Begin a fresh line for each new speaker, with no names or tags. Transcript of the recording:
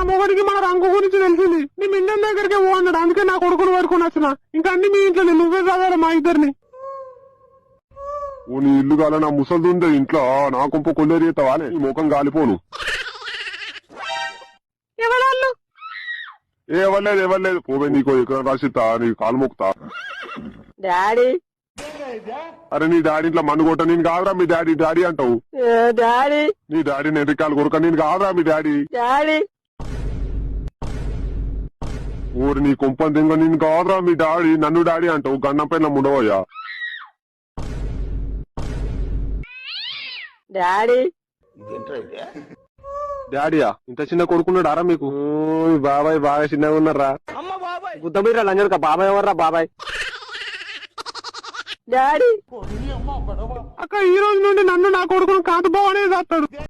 మొగడికి మన రంగు గురించి తెలిసింది. నీ మిండం దగ్గరికి పో అన్నాడు. అందుకే నా కొడుకును పడుకొని వచ్చిన. ఇంకా అన్ని మీ ఇంట్లో నువ్వే చదవాలి మా ఇద్దరిని.
నీ ఇల్లు కాల నా ముసలిది ఉంది ఇంట్లో నా కొంప కొల్లేరితావా నీ ముఖం గాలిపోను.
ఎవరాళ్ళు?
ఎవరలేదు పోవే నీకు ఎక్కడ రాసిస్తా నీ కాలు మొక్కుతా.
డాడీ
అరే నీ డాడీ ఇంట్లో మన్ను కొట్ట నేను కాదురా మీ డాడీ. డాడీ అంటావు
డాడీ.
నీ డాడీ నెరికాలు కొరక నేను కాదురా మీ డాడీ.
డాడీ
ఊరి నీ కొంపని దింగ నేను కాదురా మీ డాడీ. నన్ను డాడీ అంటావు గన్నం పైన ఉండవయ్యా.
డాడీ
డాడీయా ఇంత చిన్న కొడుకున్నాడు అరా మీకు? బాబాయ్ బాగా చిన్నగా ఉన్నారా?
గుద్ద మీద లంజనక బాబాయ్ ఎవర్రా బాబాయ్? డాడీ అక్క ఈ రోజు నుండి నన్ను నా కొడుకును కాదు బావనే చేస్తాడు.